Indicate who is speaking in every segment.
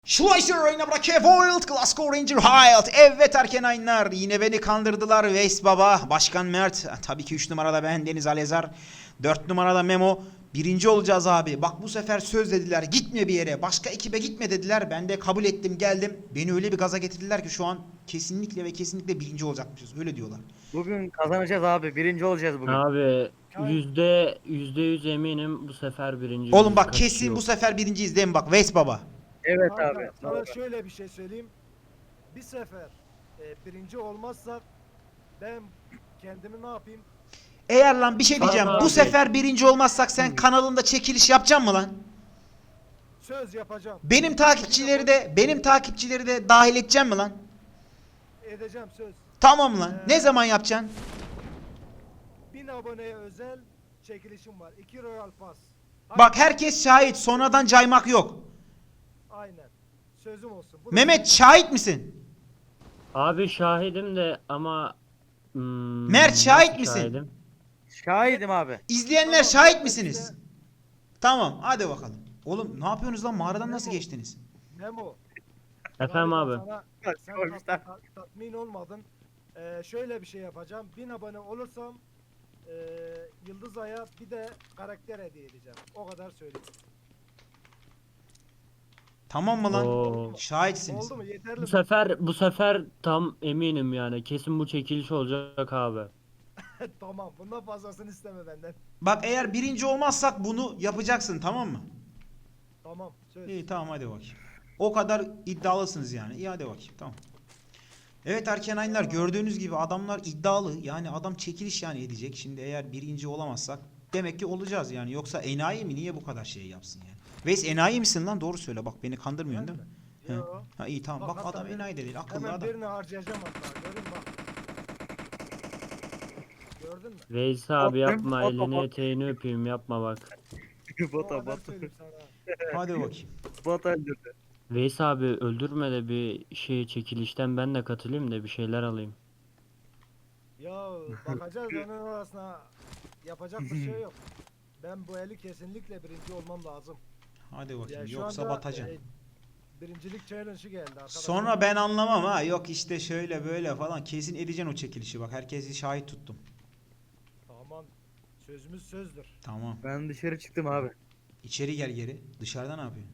Speaker 1: Schleicher oyuna bırakıyor. Wild Glasgow Ranger Wild. Evet Erkenaylar. Yine beni kandırdılar. Veys Baba. Başkan Mert. Tabii ki 3 numarada ben Deniz Alezar. 4 numarada Memo. Birinci olacağız abi. Bak bu sefer söz dediler. Gitme bir yere. Başka ekibe gitme dediler. Ben de kabul ettim geldim. Beni öyle bir gaza getirdiler ki şu an kesinlikle ve kesinlikle birinci olacakmışız. Öyle diyorlar.
Speaker 2: Bugün kazanacağız abi. Birinci olacağız bugün.
Speaker 3: Abi yüzde yüz eminim bu sefer birinci
Speaker 1: Oğlum bak
Speaker 3: kaçışı
Speaker 1: kesin
Speaker 3: yok.
Speaker 1: bu sefer birinciyiz değil mi? Bak Veys Baba.
Speaker 2: Evet
Speaker 4: Kanka,
Speaker 2: abi.
Speaker 4: sana şöyle bir şey söyleyeyim. Bir sefer birinci olmazsak ben kendimi ne yapayım?
Speaker 1: Eğer lan bir şey diyeceğim.
Speaker 3: Tamam
Speaker 1: Bu
Speaker 3: abi.
Speaker 1: sefer birinci olmazsak sen kanalında çekiliş yapacaksın mı lan?
Speaker 4: Söz yapacağım.
Speaker 1: Benim takipçileri de dahil edeceksin mi lan?
Speaker 4: Edeceğim söz.
Speaker 1: Tamam lan. Ne zaman yapacaksın?
Speaker 4: 1000 aboneye özel çekilişim var. 2 Royal Pass.
Speaker 1: Bak herkes şahit. Sonradan caymak yok.
Speaker 4: Aynen. Sözüm olsun. Bu da-
Speaker 1: Mehmet şahit misin?
Speaker 3: Abi şahidim de ama
Speaker 1: Mert, şahit
Speaker 3: nasıl
Speaker 1: misin?
Speaker 3: şahidim?
Speaker 2: Şahidim abi.
Speaker 1: İzleyenler
Speaker 4: Tamam,
Speaker 1: şahit
Speaker 4: ben
Speaker 1: misiniz?
Speaker 4: size-
Speaker 1: Tamam hadi bakalım. Oğlum ne yapıyorsunuz lan? Mağaradan nasıl
Speaker 4: Memo.
Speaker 1: geçtiniz?
Speaker 4: Memo.
Speaker 3: Efendim
Speaker 4: galiba
Speaker 3: abi.
Speaker 4: Sen
Speaker 2: Koymuşlar.
Speaker 4: tatmin olmadın. Şöyle bir şey yapacağım. 1000 abone olursam Yıldız Ay'a bir de karakter hediye edeceğim. O kadar söyleyeyim.
Speaker 1: Tamam mı lan?
Speaker 3: Oo.
Speaker 1: Şahitsiniz.
Speaker 4: Oldu mu? Yeterli
Speaker 3: Bu
Speaker 4: mi?
Speaker 3: sefer tam eminim yani. Kesin bu çekiliş olacak abi.
Speaker 4: Tamam. Bundan fazlasını isteme benden.
Speaker 1: Bak eğer birinci olmazsak bunu yapacaksın tamam mı?
Speaker 4: Tamam. Söz.
Speaker 1: İyi tamam hadi bakayım. O kadar iddialısınız yani. İyi hadi bakayım tamam. Evet Erkenaylar gördüğünüz gibi adamlar iddialı. Yani adam çekiliş yani edecek. Şimdi eğer birinci olamazsak demek ki olacağız yani. Yoksa enayi mi? Niye bu kadar şey yapsın yani? Veys enayi misin lan? Doğru söyle bak beni kandırmıyorsun değil mi? He.
Speaker 4: Yo.
Speaker 1: Ha iyi tamam. Bak
Speaker 4: hatta
Speaker 1: adam
Speaker 4: bir-
Speaker 1: enayi de değil. Akıllı
Speaker 4: Hemen
Speaker 1: adam.
Speaker 4: birini harcayacağım hatta. Görün bak. Gördün mü?
Speaker 3: Veys abi
Speaker 2: Bot-
Speaker 3: yapma,
Speaker 2: bot-
Speaker 3: elini
Speaker 2: bot-
Speaker 3: eteğini öpeyim, yapma bak.
Speaker 4: O
Speaker 2: bota
Speaker 4: kadar
Speaker 2: bot.
Speaker 4: söyleyeyim sana.
Speaker 1: Hadi bakayım.
Speaker 2: Bot öldürdü.
Speaker 3: Veys abi öldürme de bir şey çekilişten ben de katılayım da bir şeyler alayım.
Speaker 4: Ya bakacağız onun arasına yapacak bir şey yok. Ben bu eli kesinlikle birinci olmam lazım.
Speaker 1: Hadi bakayım.
Speaker 4: Ya şu
Speaker 1: Yoksa
Speaker 4: anda,
Speaker 1: batacaksın.
Speaker 4: birincilik challenge'ı geldi arkadaşlar.
Speaker 1: Sonra ben anlamam ha. Yok işte şöyle böyle falan. Kesin edeceksin o çekilişi. Bak herkesi şahit tuttum.
Speaker 4: Tamam. Sözümüz sözdür.
Speaker 1: Tamam.
Speaker 2: Ben dışarı çıktım abi.
Speaker 1: İçeri gel geri. Dışarıda ne yapıyorsun?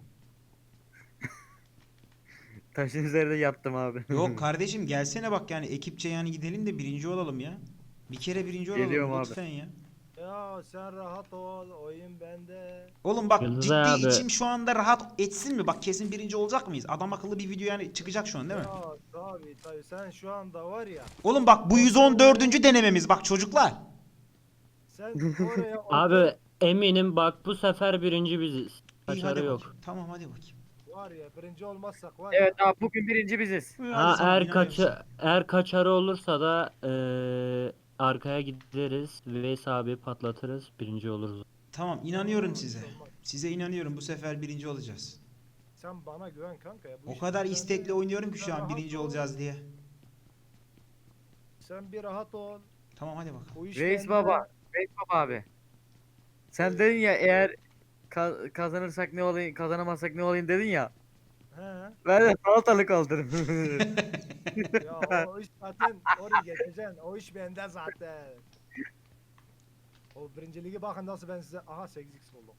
Speaker 2: Taşın üzerinde yattım abi.
Speaker 1: Yok kardeşim gelsene bak yani ekipçe yani gidelim de birinci olalım ya. Bir kere birinci olalım
Speaker 2: Geliyorum abi.
Speaker 1: lütfen ya.
Speaker 4: Ya sen rahat ol. Oyun bende.
Speaker 1: Oğlum bak
Speaker 3: Yıldız
Speaker 1: ciddi
Speaker 3: abi.
Speaker 1: içim şu anda rahat etsin mi? Bak kesin birinci olacak mıyız? Adam akıllı bir video yani çıkacak şu an değil mi?
Speaker 4: Ya tabii sen şu anda var ya.
Speaker 1: Oğlum bak bu 114. denememiz bak çocuklar.
Speaker 4: Sen oraya
Speaker 3: Abi eminim bak bu sefer birinci biziz.
Speaker 1: İyi hadi
Speaker 3: Kaçarı yok.
Speaker 1: bakayım. Tamam hadi bakayım.
Speaker 4: var ya birinci olmazsak var ya.
Speaker 2: Evet abi bugün birinci biziz.
Speaker 1: Hadi
Speaker 3: Ha
Speaker 1: sana
Speaker 3: eğer
Speaker 1: inanıyorum.
Speaker 3: eğer kaçarı olursa da arkaya gideriz. Veys abi patlatırız. Birinci oluruz.
Speaker 1: Tamam inanıyorum size. Size inanıyorum bu sefer birinci olacağız.
Speaker 4: Sen bana güven kanka ya. Bu
Speaker 1: O
Speaker 4: iş
Speaker 1: kadar
Speaker 4: bende.
Speaker 1: istekli oynuyorum ki
Speaker 4: Sen
Speaker 1: şu an
Speaker 4: rahat
Speaker 1: birinci
Speaker 4: ol.
Speaker 1: olacağız diye.
Speaker 4: Sen bir rahat ol.
Speaker 1: Tamam hadi bakalım.
Speaker 4: Bu iş
Speaker 2: Reis
Speaker 4: bende.
Speaker 2: baba. Reis baba abi. Sen dedin ya eğer kazanırsak ne olayım, kazanamazsak ne olayım dedin ya.
Speaker 4: He.
Speaker 2: Ben de salatalık aldım.
Speaker 4: Ya o iş zaten oraya geçeceksin. O iş bende zaten. O birinci ligi bakın nasıl ben size. Aha 8x buldum.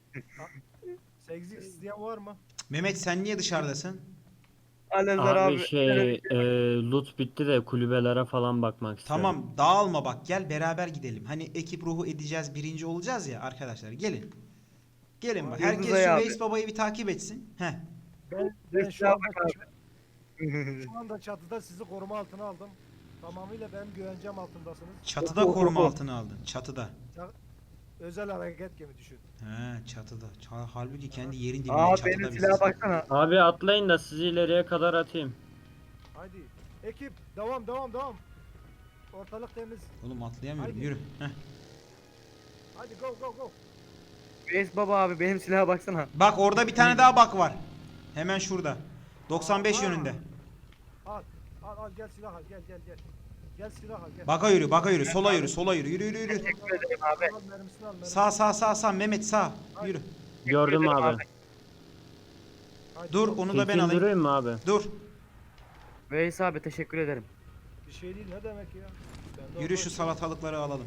Speaker 4: 8x isteyen var mı?
Speaker 1: Mehmet sen niye dışarıdasın?
Speaker 2: Alezar
Speaker 3: Abi
Speaker 2: abi.
Speaker 3: loot bitti de kulübelere falan bakmak istiyorum.
Speaker 1: Tamam dağılma bak gel beraber gidelim. Hani ekip ruhu edeceğiz birinci olacağız ya arkadaşlar gelin. Gelin bak
Speaker 2: Yıldız
Speaker 1: herkes
Speaker 2: Ay
Speaker 1: şu
Speaker 2: abi.
Speaker 1: Veys Baba'yı bir takip etsin. Heh.
Speaker 4: Ben şu
Speaker 2: Yap
Speaker 4: anda,
Speaker 2: abi.
Speaker 4: şu anda çatıda sizi koruma altına aldım. Tamamıyla benim güvencem altındasınız.
Speaker 1: Çatıda koruma altına aldın. Çatıda.
Speaker 4: Özel hareket gibi düşün.
Speaker 1: He çatıda. Halbuki kendi yerin dibinde
Speaker 2: Aa
Speaker 1: çatıda
Speaker 2: benim
Speaker 1: biz.
Speaker 2: silaha baksana.
Speaker 3: Abi atlayın da sizi ileriye kadar atayım.
Speaker 4: Haydi. Ekip devam. Ortalık temiz.
Speaker 1: Oğlum atlayamıyorum
Speaker 4: Haydi.
Speaker 1: yürü. Heh.
Speaker 4: Haydi go.
Speaker 2: Reis baba abi benim silaha baksana.
Speaker 1: Bak orada bir tane daha bak var. Hemen şurada. 95
Speaker 4: Aa.
Speaker 1: yönünde.
Speaker 4: Al gel silah al gel. Gel silah al gel.
Speaker 1: Baka yürü. Sola yürü. Yürü.
Speaker 2: Teşekkür ederim abi.
Speaker 4: Al mermisini al. Mermisini.
Speaker 1: Sağ. Mehmet sağ. Yürü.
Speaker 3: Gördüm
Speaker 2: ederim
Speaker 3: abi.
Speaker 4: Haydi
Speaker 1: Dur
Speaker 4: yok,
Speaker 1: onu da ben
Speaker 3: Tilki
Speaker 1: alayım.
Speaker 3: durayım mı abi?
Speaker 1: Dur.
Speaker 2: Veys abi teşekkür ederim.
Speaker 4: bir şey değil ne demek ya. Ben de
Speaker 1: Yürü
Speaker 4: orada-
Speaker 1: şu salatalıkları alalım.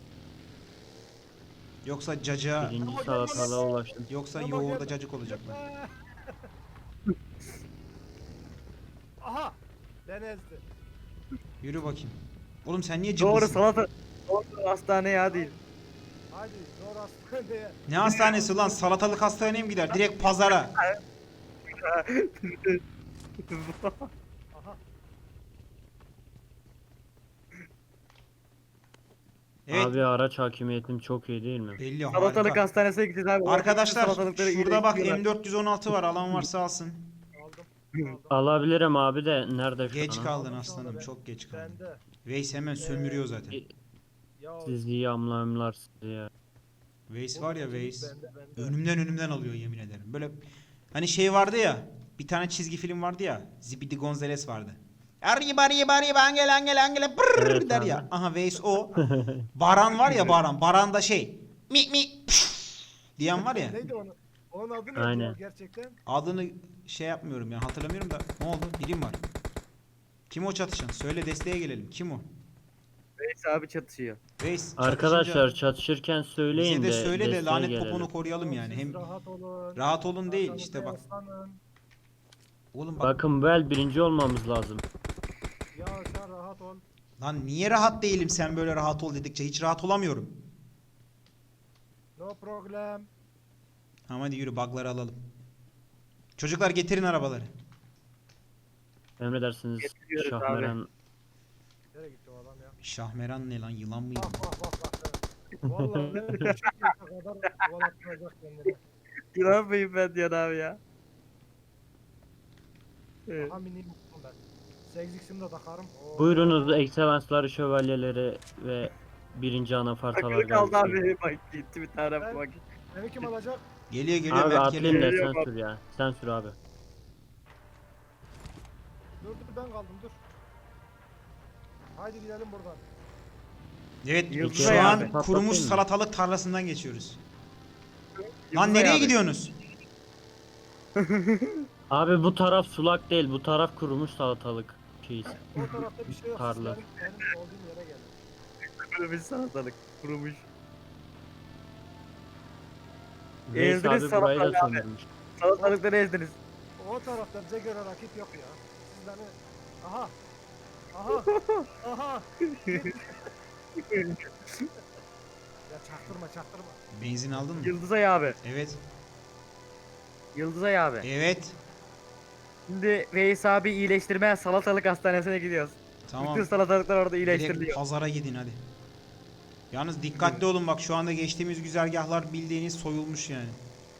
Speaker 1: Yoksa cacığa,
Speaker 3: Birinci
Speaker 4: Ama
Speaker 3: salatalığa ulaştım.
Speaker 1: yoksa
Speaker 4: Ama
Speaker 1: yoğurda
Speaker 4: gelme.
Speaker 1: cacık olacaklar.
Speaker 4: Aha! Ben ezdi.
Speaker 1: Yürü bakayım. Oğlum sen niye
Speaker 2: Doğru
Speaker 1: cıbbısın?
Speaker 2: salata. Doğru hastane ya değil.
Speaker 4: Haydi zor hastaneye.
Speaker 1: Ne hastanesi lan? Salatalık hastaneye mi gider? Direkt pazara.
Speaker 4: Aha.
Speaker 1: Evet.
Speaker 3: Abi araç hakimiyetim çok iyi değil mi?
Speaker 1: Belli
Speaker 2: Salatalık
Speaker 1: harika.
Speaker 2: hastanesine gideceğiz abi.
Speaker 1: Arkadaşlar
Speaker 2: Salatalıkları
Speaker 1: şurada bak
Speaker 2: iyileştiriyorlar.
Speaker 1: M416 var. Alan varsa alsın.
Speaker 4: Aldım. Aldım.
Speaker 3: Alabilirim abi de nerede şu
Speaker 1: Geç
Speaker 3: an?
Speaker 1: kaldın
Speaker 4: Aldım şu anda
Speaker 1: aslanım.
Speaker 4: ben.
Speaker 1: Çok geç kaldın.
Speaker 4: Bende.
Speaker 1: Veys hemen sömürüyor zaten.
Speaker 4: Ya
Speaker 3: Siz iyi amlamlar sizi ya.
Speaker 1: Veys var ya Veys.
Speaker 4: bende.
Speaker 1: Önümden alıyor yemin ederim. Böyle hani şey vardı ya. Bir tane çizgi film vardı ya. Zibidi Gonzales vardı. Arriba angele angele brrr
Speaker 3: Evet
Speaker 1: der
Speaker 3: abi.
Speaker 1: ya. Aha Veys o. Baran var ya Baran. Baran da şey. Mi diyen var ya.
Speaker 4: Neydi onu? Onun adı neydi
Speaker 3: Aynen.
Speaker 4: o gerçekten?
Speaker 1: Adını şey yapmıyorum ya hatırlamıyorum da. Ne oldu? Birim var. Kim o çatışan? Söyle desteğe gelelim. Kim o?
Speaker 2: Veys abi çatışıyor.
Speaker 1: Veys
Speaker 3: Arkadaşlar
Speaker 1: çatışınca
Speaker 3: çatışırken söyleyin
Speaker 1: bize de
Speaker 3: de
Speaker 1: söyle de
Speaker 3: desteğe
Speaker 1: lanet
Speaker 3: gelelim.
Speaker 1: poponu koruyalım yani.
Speaker 4: Siz
Speaker 1: Hem
Speaker 4: rahat olun.
Speaker 1: rahat olun değil
Speaker 4: Arkanızda
Speaker 1: işte bak.
Speaker 4: yaslanın.
Speaker 1: Oğlum bak.
Speaker 3: Bakın bu el birinci olmamız lazım.
Speaker 4: Ya sen rahat ol.
Speaker 1: Lan niye rahat değilim sen böyle rahat ol dedikçe hiç rahat olamıyorum.
Speaker 4: No problem.
Speaker 1: Tamam hadi yürü bug'ları alalım. Çocuklar getirin arabaları.
Speaker 3: Emredersiniz
Speaker 2: Getiriyoruz
Speaker 3: Şahmeran.
Speaker 4: Nereye gitti o adam ya?
Speaker 1: Şahmeran ne lan yılan mıydı?
Speaker 4: Bak. Vallahi küçük yaşa kadar kovalattıracak kendini.
Speaker 2: Güvenmeyin ben diyor abi ya. Evet.
Speaker 4: Aha mini mutlum ben. 8x'imi de takarım. Oo.
Speaker 3: Buyurunuz ekselansları, şövalyeleri ve birinci anafartalar
Speaker 2: Takılı kaldı
Speaker 3: gelsin.
Speaker 2: abi. Bak gitti bir tane
Speaker 4: Ben-
Speaker 2: bak.
Speaker 4: Beni kim alacak?
Speaker 1: Geliyor
Speaker 3: Abi
Speaker 1: Mert
Speaker 3: atlayın
Speaker 1: geliyor.
Speaker 3: da
Speaker 2: Geliyor
Speaker 3: sen
Speaker 2: bak.
Speaker 3: sür ya. Sen sür abi.
Speaker 4: Dur ben kaldım dur. Haydi gidelim buradan.
Speaker 1: Evet
Speaker 2: Yıldız
Speaker 1: şu
Speaker 2: ayağı
Speaker 1: an
Speaker 2: abi,
Speaker 1: kurumuş
Speaker 3: patlatayım mı?
Speaker 1: salatalık tarlasından geçiyoruz. Lan
Speaker 2: Yıldızay
Speaker 1: nereye
Speaker 2: abi.
Speaker 1: gidiyorsunuz?
Speaker 3: Abi bu taraf sulak değil, bu taraf kurumuş salatalık şeysi.
Speaker 4: O tarafta bir şey yok.
Speaker 3: Tarla.
Speaker 4: Benim olduğum yere gelin.
Speaker 2: Kurumuş salatalık. Kurumuş.
Speaker 3: Veys
Speaker 2: Ezdiniz
Speaker 3: abi burayı da
Speaker 2: salatalığı abi.
Speaker 3: sömürmüş.
Speaker 2: Salatalıkları ezdiniz.
Speaker 4: O tarafta bize göre rakip yok ya. Siz beni... Aha. Aha. Aha. Ya çaktırma.
Speaker 1: Benzin aldın mı?
Speaker 2: Yıldızay abi.
Speaker 1: Evet.
Speaker 2: Yıldızay abi.
Speaker 1: Evet.
Speaker 2: Şimdi Veys abi iyileştirmeye salatalık hastanesine gidiyoruz.
Speaker 1: Tamam.
Speaker 2: Bütün salatalıklar orada
Speaker 1: Direkt
Speaker 2: iyileştiriliyor.
Speaker 1: pazara gidin hadi. Yalnız dikkatli olun bak şu anda geçtiğimiz güzergahlar bildiğiniz soyulmuş yani.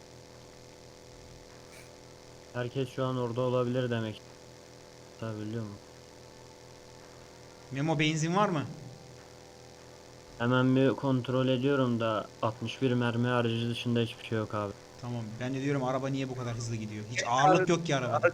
Speaker 3: Herkes şu an orada olabilir demek. Tabii biliyor musun?
Speaker 1: Memo benzin var mı?
Speaker 3: Hemen bir kontrol ediyorum da 61 mermi harici dışında hiçbir şey yok abi.
Speaker 1: Tamam ben de diyorum araba niye bu kadar hızlı gidiyor? Hiç ağırlık yok ki arabada.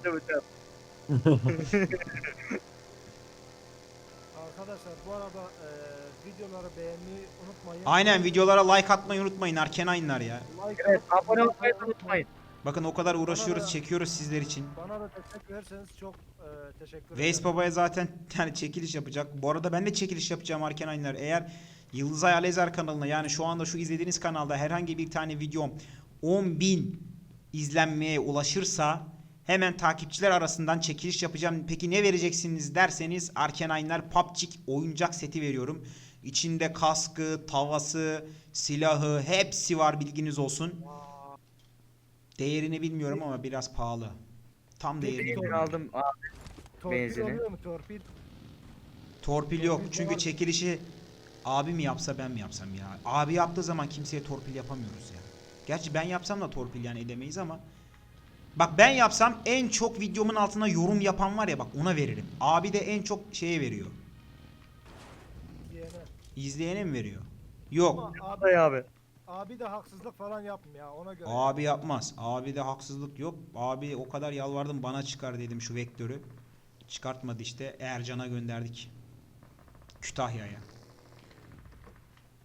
Speaker 4: Arkadaşlar bu arada videoları beğenmeyi unutmayın.
Speaker 1: Aynen videolara like atmayı unutmayın Arkenaynlar ya.
Speaker 4: Like
Speaker 2: Evet
Speaker 4: atıp
Speaker 2: abone olmayı da unutmayın.
Speaker 1: Bakın o kadar uğraşıyoruz
Speaker 4: Bana da-
Speaker 1: çekiyoruz sizler için.
Speaker 4: Bana da destek verirseniz çok teşekkür
Speaker 1: Veys
Speaker 4: ederim.
Speaker 1: Baba'ya zaten yani çekiliş yapacak. Bu arada ben de çekiliş yapacağım Arkenaynlar. Eğer Yıldızay Alezer kanalına yani şu anda şu izlediğiniz kanalda herhangi bir tane videom 10.000 izlenmeye ulaşırsa hemen takipçiler arasından çekiliş yapacağım. Peki ne vereceksiniz derseniz Arkenaynlar PUBG oyuncak seti veriyorum. İçinde kaskı, tavası, silahı hepsi var bilginiz olsun. Değerini bilmiyorum ama biraz pahalı. Tam değerini
Speaker 2: Benzin
Speaker 1: bilmiyorum.
Speaker 2: aldım. Aa,
Speaker 4: Torpil
Speaker 2: benzini.
Speaker 4: oluyor mu torpil?
Speaker 1: Torpil yok.
Speaker 4: Torpil
Speaker 1: Çünkü
Speaker 4: var.
Speaker 1: çekilişi abi mi yapsa ben mi yapsam ya? Abi yaptığı zaman kimseye torpil yapamıyoruz ya. Gerçi ben yapsam da torpil yani edemeyiz ama. Bak ben yapsam en çok videomun altına yorum yapan var ya bak ona veririm. Abi de en çok şeye veriyor.
Speaker 4: Diyene.
Speaker 1: İzleyene mi veriyor? Yok.
Speaker 4: Ama
Speaker 2: Yıldızay abi.
Speaker 4: abi de haksızlık falan yapmıyor ya ona göre.
Speaker 1: Abi yapmaz. Abi de haksızlık yok. Abi o kadar yalvardım bana çıkar dedim şu vektörü. Çıkartmadı işte. Ercan'a gönderdik. Kütahya'ya.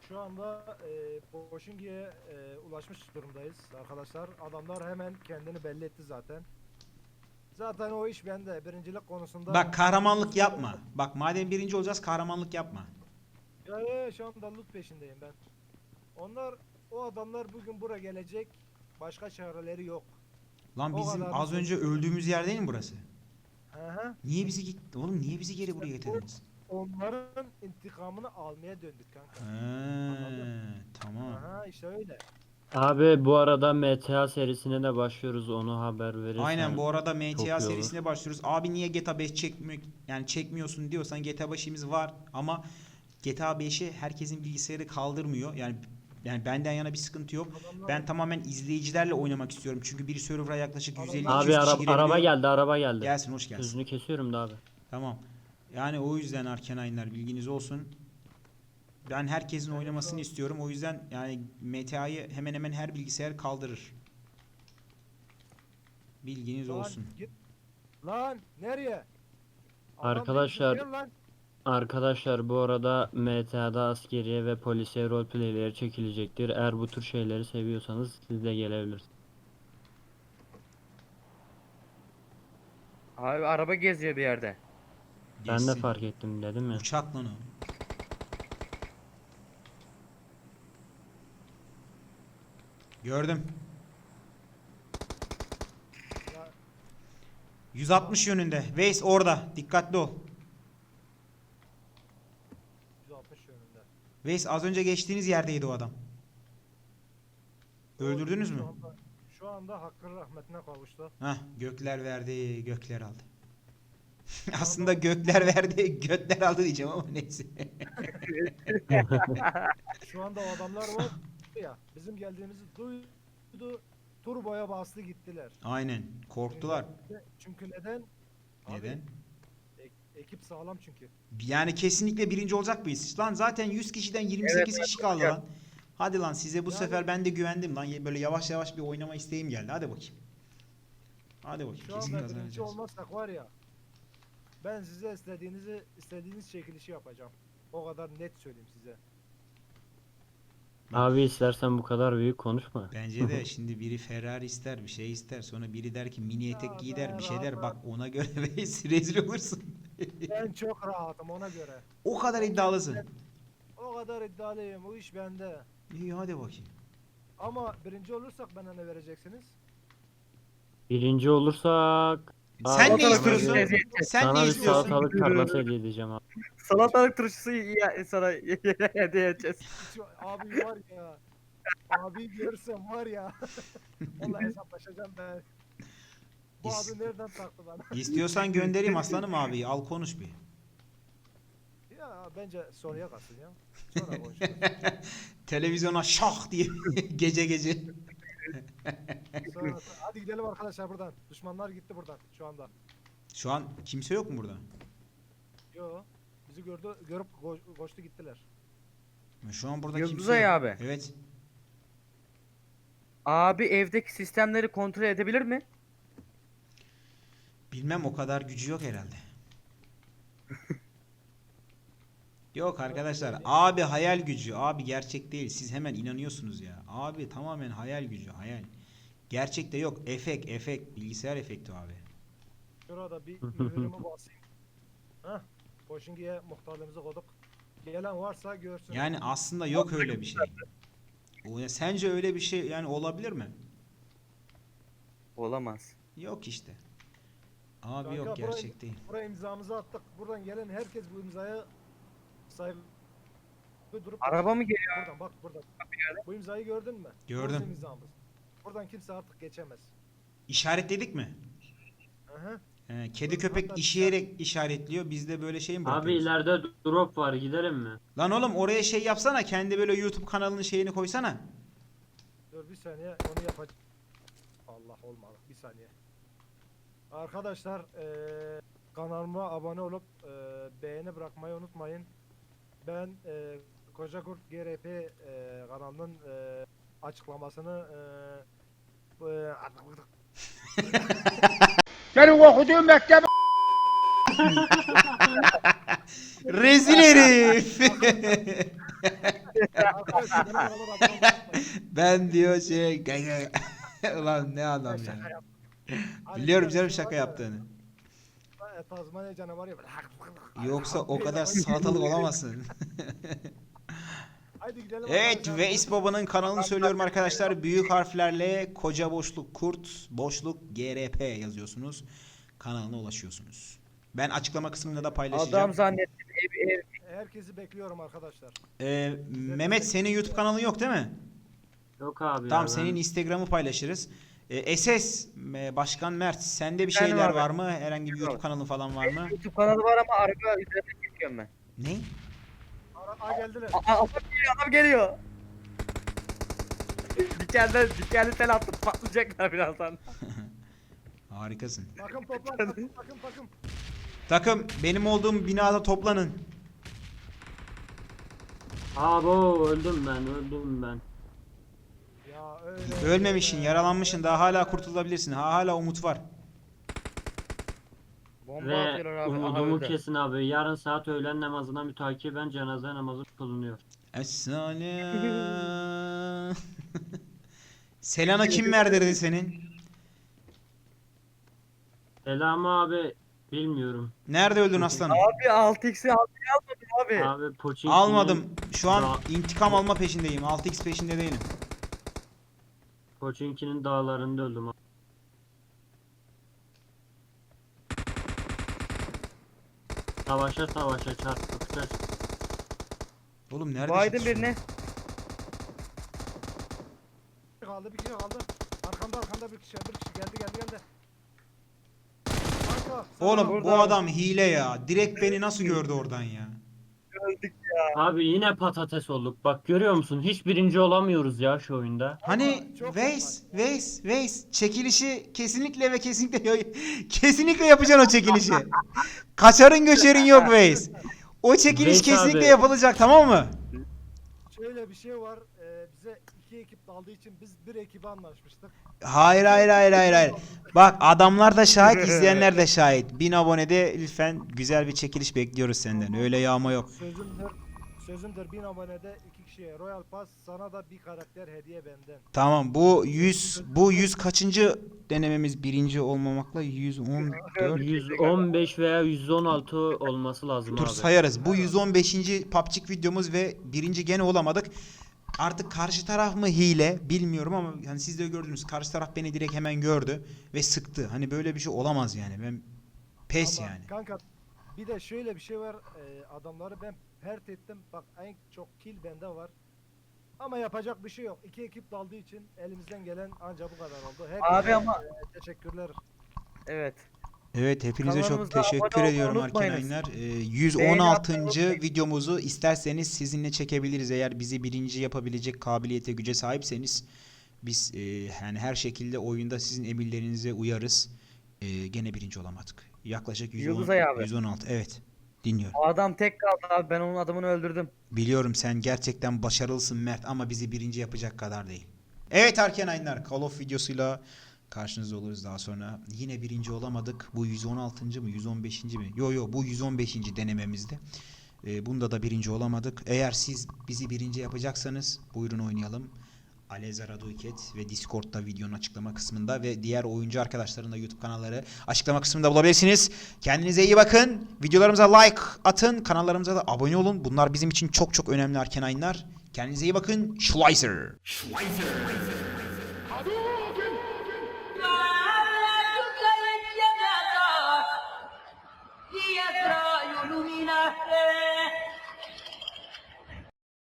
Speaker 4: Şu anda Boşingi'ye ulaşmış durumdayız arkadaşlar. Adamlar hemen kendini belli etti zaten. Zaten o iş bende. Birincilik konusunda...
Speaker 1: Bak kahramanlık yapma. Bak madem birinci olacağız kahramanlık yapma.
Speaker 4: Ya şu anda loot peşindeyim ben. O adamlar bugün buraya gelecek. Başka çareleri yok.
Speaker 1: Lan
Speaker 4: O
Speaker 1: bizim
Speaker 4: kadar
Speaker 1: az
Speaker 4: bir
Speaker 1: önce
Speaker 4: şey.
Speaker 1: öldüğümüz yer değil mi burası?
Speaker 4: Hı hı.
Speaker 1: Niye bizi git oğlum niye bizi geri buraya getirdiniz?
Speaker 4: Onların intikamını almaya döndük kanka.
Speaker 1: Tamam.
Speaker 4: Aha işte öyle.
Speaker 3: Abi bu arada MTA serisine de başlıyoruz, onu haber verirsen.
Speaker 1: Aynen bu arada
Speaker 3: çok iyi
Speaker 1: MTA
Speaker 3: olur.
Speaker 1: serisine başlıyoruz. Abi niye GTA 5 çekmiyorsun diyorsan GTA 5'imiz var ama GTA 5'i herkesin bilgisayarı kaldırmıyor. Yani benden yana bir sıkıntı yok.
Speaker 4: Adamlar,
Speaker 1: Ben tamamen izleyicilerle oynamak istiyorum. Çünkü bir server'a yaklaşık 150-200
Speaker 3: Abi
Speaker 1: kişi
Speaker 3: araba
Speaker 1: girebiliyor.
Speaker 3: geldi, araba geldi.
Speaker 1: Gelsin hoş gelsin.
Speaker 3: Sözünü kesiyorum da abi.
Speaker 1: Tamam. Yani o yüzden Arkenaynlar bilginiz olsun. Ben herkesin oynamasını istiyorum. O yüzden yani MTA'yı hemen hemen her bilgisayar kaldırır. Bilginiz
Speaker 4: lan,
Speaker 1: olsun.
Speaker 4: Git. Lan nereye? Adam
Speaker 3: Arkadaşlar-
Speaker 4: beni lan.
Speaker 3: Arkadaşlar bu arada MTA'da askeriye ve polisiye roleplayleri çekilecektir. Eğer bu tür şeyleri seviyorsanız siz de gelebilirsiniz.
Speaker 2: Abi araba geziyor bir yerde.
Speaker 3: Ben de
Speaker 1: Geçsin.
Speaker 3: fark ettim dedim ya.
Speaker 1: Uçak lan o. Gördüm.
Speaker 4: Ya,
Speaker 1: 160 yönünde. Waze orada. Dikkatli ol.
Speaker 4: 160 yönünde.
Speaker 1: Waze az önce geçtiğiniz yerdeydi o adam. Öldürdünüz
Speaker 4: Şu
Speaker 1: mü?
Speaker 4: şu anda Hakk'ın rahmetine kavuştu.
Speaker 1: Hah, gökler verdi, gökler aldı. Aslında gökler verdi, gökler aldı diyeceğim ama neyse.
Speaker 4: Şu anda o adamlar var ya, bizim geldiğimizi duydu. Turboya bastı gittiler.
Speaker 1: Aynen, korktular.
Speaker 4: Çünkü neden? Abi,
Speaker 1: Neden?
Speaker 4: ekip sağlam çünkü.
Speaker 1: Yani kesinlikle birinci olacak mıyız? Lan zaten 100 kişiden 28 kişi kaldı lan. Hadi lan size bu
Speaker 4: Yani-
Speaker 1: sefer ben de güvendim lan. Böyle yavaş yavaş bir oynama isteğim geldi. Hadi bakayım. Hadi bakayım.
Speaker 4: Şu
Speaker 1: Kesin
Speaker 4: anda birinci
Speaker 1: kazanacağız.
Speaker 4: olmazsak var ya, ben size istediğiniz çekilişi yapacağım. O kadar net söyleyeyim size.
Speaker 3: Abi istersen bu kadar büyük konuşma.
Speaker 1: Bence de şimdi biri Ferrari ister, bir şey ister. Sonra biri der ki mini etek
Speaker 4: Ya
Speaker 1: giy der, bir şey der.
Speaker 4: ben
Speaker 1: Bak ona göre rezil olursun.
Speaker 4: Ben çok rahatım ona göre.
Speaker 1: O kadar iddialısın.
Speaker 4: O kadar iddialıyım. O iş bende.
Speaker 1: İyi hadi bakayım.
Speaker 4: Ama birinci olursak bana ne vereceksiniz?
Speaker 3: Birinci olursak
Speaker 1: Sen
Speaker 3: Abi,
Speaker 1: ne istiyorsun? Sen
Speaker 3: sana
Speaker 1: ne
Speaker 3: bir
Speaker 1: istiyorsun?
Speaker 3: salatalık tarlası hediye edeceğim abi.
Speaker 2: Salatalık turşusu sana hediye edeceğiz.
Speaker 4: Abi var ya. Abi görsem var ya. Onunla hesaplaşacağım ben. Bu
Speaker 1: İs-
Speaker 4: abi nereden taktı bana?
Speaker 1: İstiyorsan göndereyim aslanım abi. Al konuş bir.
Speaker 4: Ya bence soruya kalsın ya. Sonra konuşuruz.
Speaker 1: Televizyona şah diye gece gece.
Speaker 4: Hadi gidelim arkadaşlar buradan. Düşmanlar gitti buradan şu anda.
Speaker 1: Şu an kimse yok mu burada?
Speaker 4: Yo. Bizi görüp koştu gittiler.
Speaker 1: Şu an burada
Speaker 2: Yıldız
Speaker 1: kimse
Speaker 2: Ay
Speaker 1: yok.
Speaker 2: abi.
Speaker 1: Evet.
Speaker 2: Abi evdeki sistemleri kontrol edebilir mi?
Speaker 1: Bilmem o kadar gücü yok herhalde. Yok arkadaşlar. Abi hayal gücü. Abi gerçek değil. Siz hemen inanıyorsunuz ya. Abi tamamen hayal gücü. Hayal. Gerçekte yok. Efekt. Bilgisayar efekti abi.
Speaker 4: Şurada bir mühürümü basayım. Hah. Boşingi'ye muhtarlığımızı koyduk. Gelen varsa görsün.
Speaker 1: Yani aslında yok öyle bir şey. Sence öyle bir şey yani olabilir mi?
Speaker 2: Olamaz.
Speaker 1: Yok işte. Abi
Speaker 4: Kanka,
Speaker 1: yok gerçek değil.
Speaker 4: Buraya imzamızı attık. Buradan gelen herkes bu imzaya saygı durup
Speaker 2: Araba mı geliyor?
Speaker 4: buradan bak buradan. Bu imzayı gördün mü?
Speaker 1: Gördüm.
Speaker 4: Bu bizim imzamız. Buradan kimse artık geçemez.
Speaker 1: İşaretledik mi?
Speaker 4: Hı.
Speaker 1: Kedi
Speaker 4: Dur,
Speaker 1: köpek
Speaker 4: hatta
Speaker 1: işeyerek işaretliyor. Biz de böyle şey mi
Speaker 3: Abi
Speaker 1: bırakıyoruz?
Speaker 3: ileride drop var, gidelim mi?
Speaker 1: Lan oğlum oraya şey yapsana. Kendi böyle YouTube kanalının şeyini koysana.
Speaker 4: Dur bir saniye onu yapacağım. Allah olmadı bir saniye. Arkadaşlar kanalıma abone olup beğeni bırakmayı unutmayın. Ben Koca Kurt GRP kanalının açıklamasını
Speaker 5: Senin okuduğun mektep
Speaker 1: Rezil herif.
Speaker 4: Arkadaşlar benim kadar adam olmayın.
Speaker 1: Ben diyor şey ulan ne adam
Speaker 4: Ben şaka
Speaker 1: ya.
Speaker 4: yaptım. Hani
Speaker 1: Biliyorum
Speaker 4: bir
Speaker 1: canım
Speaker 4: şey var
Speaker 1: şaka
Speaker 4: ya,
Speaker 1: yaptığını.
Speaker 4: Tazmanya canavarı ya böyle.
Speaker 1: Yoksa o
Speaker 4: Böyle
Speaker 1: kadar
Speaker 4: oynuyor.
Speaker 1: salatalık olamazsın.
Speaker 4: Haydi gidelim
Speaker 1: Evet,
Speaker 4: arkadaşlar.
Speaker 1: Veys Baba'nın kanalını söylüyorum arkadaşlar. Büyük harflerle koca boşluk kurt boşluk GRP yazıyorsunuz. Kanalına ulaşıyorsunuz. Ben açıklama kısmında da paylaşacağım.
Speaker 2: Adam zannettim ev.
Speaker 4: Herkesi bekliyorum arkadaşlar.
Speaker 1: Mehmet senin YouTube kanalın yok değil mi?
Speaker 3: Yok abi
Speaker 1: Tamam,
Speaker 3: ya,
Speaker 1: senin Instagram'ı paylaşırız. SS Başkan Mert, sende bir
Speaker 2: Ben
Speaker 1: şeyler
Speaker 2: abi.
Speaker 1: var mı? Herhangi bir
Speaker 2: Yok.
Speaker 1: YouTube kanalı falan var mı?
Speaker 2: YouTube kanalı var ama arka üzerine geçiyorum ben.
Speaker 1: Ne?
Speaker 4: Geldiler.
Speaker 2: Adam geliyor. Dikenli tel attım, patlayacaklar birazdan.
Speaker 1: Harikasın.
Speaker 4: Takım toplan. Takım.
Speaker 1: Takım, benim olduğum binada toplanın.
Speaker 3: Abo öldüm ben.
Speaker 4: Ya öyle.
Speaker 1: Ölmemişsin, yaralanmışsın. Daha hala kurtulabilirsin. Hala umut var.
Speaker 2: Bomba
Speaker 3: Ve
Speaker 2: atıyorlar abi. Aha
Speaker 3: umudumu
Speaker 2: öldü.
Speaker 3: kesin abi. Yarın saat öğlen namazına mütakiben cenaze namazı kılınıyor.
Speaker 1: Es-salam. Selana kim verdirdi senin?
Speaker 3: Selamı abi bilmiyorum.
Speaker 1: Nerede öldün aslanım?
Speaker 2: Abi 6x'i almadın abi.
Speaker 3: Abi Pochinki'nin
Speaker 1: Almadım. Şu an
Speaker 3: Dağ-
Speaker 1: intikam alma peşindeyim. 6x peşinde değilim.
Speaker 3: Pochinki'nin dağlarında öldüm abi. Savaşa çarpışacağız.
Speaker 1: Oğlum nerede?
Speaker 2: Biden birine.
Speaker 4: Bir kişi kaldı. Arkanda bir kişi geldi. Kanka.
Speaker 1: Oğlum
Speaker 2: Burada
Speaker 1: bu
Speaker 2: abi.
Speaker 1: adam hile ya. Direkt beni nasıl gördü oradan ya?
Speaker 2: Öldük.
Speaker 3: Abi yine patates olduk. Bak görüyor musun? Hiç birinci olamıyoruz ya şu oyunda.
Speaker 1: Hani
Speaker 4: çok
Speaker 1: Veys çekilişi kesinlikle ve kesinlikle yapacaksın o çekilişi. Kaçarın göçerin yok Veys. O çekiliş
Speaker 3: Veys
Speaker 1: kesinlikle
Speaker 3: abi.
Speaker 1: yapılacak, tamam mı?
Speaker 4: Şöyle bir şey var. Bize 2 ekip daldığı için biz bir ekibe anlaşmıştık.
Speaker 1: Hayır. Bak adamlar da şahit, izleyenler de şahit. 1000 abonede lütfen güzel bir çekiliş bekliyoruz senden. Öyle yağma yok.
Speaker 4: Sözümdür 1000 abonede 2 kişiye Royal Pass, sana da bir karakter hediye benden.
Speaker 1: Tamam, bu 100 kaçıncı denememiz, birinci olmamakla 114.
Speaker 3: 115 veya 116 olması lazım
Speaker 1: Dur
Speaker 3: abi.
Speaker 1: sayarız. Bu 115. PUBG videomuz ve birinci gene olamadık. Artık karşı taraf mı hile bilmiyorum ama hani siz de gördünüz. Karşı taraf beni direkt hemen gördü ve sıktı. Hani böyle bir şey olamaz yani. Ben pes
Speaker 4: Ama
Speaker 1: yani.
Speaker 4: Kanka bir de şöyle bir şey var. Adamları ben pert ettim. Bak en çok kill bende var. Ama yapacak bir şey yok. 2 ekip daldığı için elimizden gelen anca bu kadar oldu. Hepinize,
Speaker 2: Abi ama-
Speaker 4: teşekkürler.
Speaker 2: Evet.
Speaker 1: Evet, hepinize çok
Speaker 2: Kanalımıza
Speaker 1: teşekkür
Speaker 2: abone olmayı
Speaker 1: ediyorum
Speaker 2: unutmayınız.
Speaker 1: arkadaşlar.
Speaker 2: Beğeni
Speaker 1: 116.
Speaker 2: yapmayı unutmayın.
Speaker 1: videomuzu isterseniz sizinle çekebiliriz. Eğer bizi birinci yapabilecek kabiliyete, güce sahipseniz biz yani her şekilde oyunda sizin emirlerinize uyarız. Gene birinci olamadık. Yaklaşık 110,
Speaker 2: Yıldızay abi.
Speaker 1: 116. Evet. Dinliyorum.
Speaker 2: O adam tek kaldı abi. Ben onun adamını öldürdüm.
Speaker 1: Biliyorum sen gerçekten başarılısın Mert ama bizi birinci yapacak kadar değil. Evet Arkenaynlar, Call of videosuyla karşınızda oluruz daha sonra. Yine birinci olamadık. Bu 116. mı 115. mi? Yo bu 115. denememizde. Bunda da birinci olamadık. Eğer siz bizi birinci yapacaksanız buyurun oynayalım. Aleza Raduket ve Discord'da videonun açıklama kısmında ve diğer oyuncu arkadaşların da YouTube kanalları açıklama kısmında bulabilirsiniz. Kendinize iyi bakın. Videolarımıza like atın. Kanallarımıza da abone olun. Bunlar bizim için çok çok önemli Arkenaynlar. Kendinize iyi bakın. Schleiser.
Speaker 5: Dietro illumina